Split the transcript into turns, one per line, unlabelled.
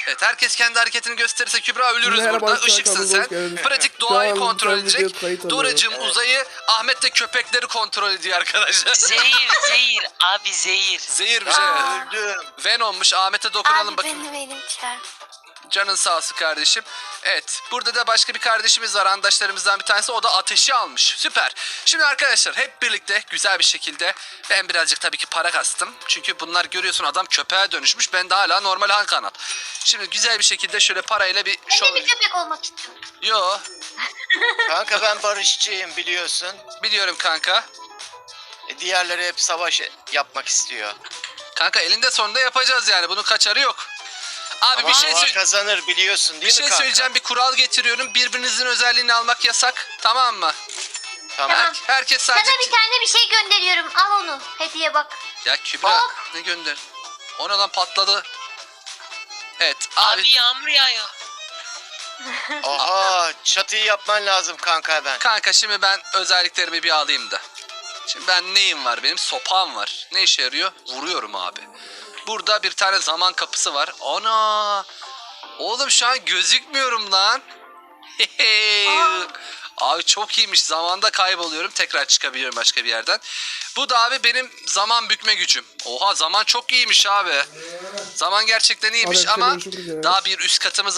Evet, herkes kendi hareketini gösterirse Kübra ölürüz
Merhaba
burada.
arkadaşlar,
Işıksın
hoş
sen.
geldiniz.
Pratik
Şu
doğayı
an
kontrol
ben
edecek.
video kayıt alıyorum.
Doracığım uzayı, Ahmet de köpekleri kontrol ediyor arkadaşlar.
Zehir abi zehir.
Zehir bir şey.
Öldüm.
Venom'muş. Ahmet'e dokunalım
Abi
bakayım.
benim çarp.
Canın sağ olsun kardeşim. Evet, burada da başka bir kardeşimiz var, arkadaşlarımızdan bir tanesi. O da ateşi almış. Süper. Şimdi arkadaşlar hep birlikte güzel bir şekilde, ben birazcık tabii ki para kastım. Çünkü bunlar görüyorsun, adam köpeğe dönüşmüş. Ben de hala normal han kanat. Şimdi güzel bir şekilde şöyle parayla bir
Ben
şov...
de bir köpek olmak istiyorum.
Yo,
Kanka ben barışçıyım biliyorsun.
biliyorum kanka.
Diğerleri hep savaş yapmak istiyor.
Kanka elinde sonunda yapacağız yani. Bunun kaçarı yok. Abi
Ama
bir şey
hava kazanır biliyorsun değil
bir
mi
şey
kanka?
söyleyeceğim. Bir kural getiriyorum. Birbirinizin özelliğini almak yasak. Tamam mı?
Tamam.
Herkes
Sana
sadece...
bir tane bir şey gönderiyorum. Al onu. Hediye bak.
Ya Kübra
Bak.
ne gönder? Ona lan patladı. Evet abi.
Abi yağmur yağıyor.
Oha çatıyı yapman lazım kanka hemen.
Kanka şimdi ben özelliklerimi bir alayım da. Şimdi ben neyim var benim? Sopam var. Ne işe yarıyor? Vuruyorum abi. Burada bir tane zaman kapısı var. Ana! Oğlum şu an gözükmüyorum lan. Abi çok iyiymiş. Zamanda kayboluyorum. Tekrar çıkabiliyorum başka bir yerden. Bu da abi benim zaman bükme gücüm. Oha zaman çok iyiymiş abi. Zaman gerçekten iyiymiş
Abi,
ama
görüşürüz ya.
daha bir üst katımız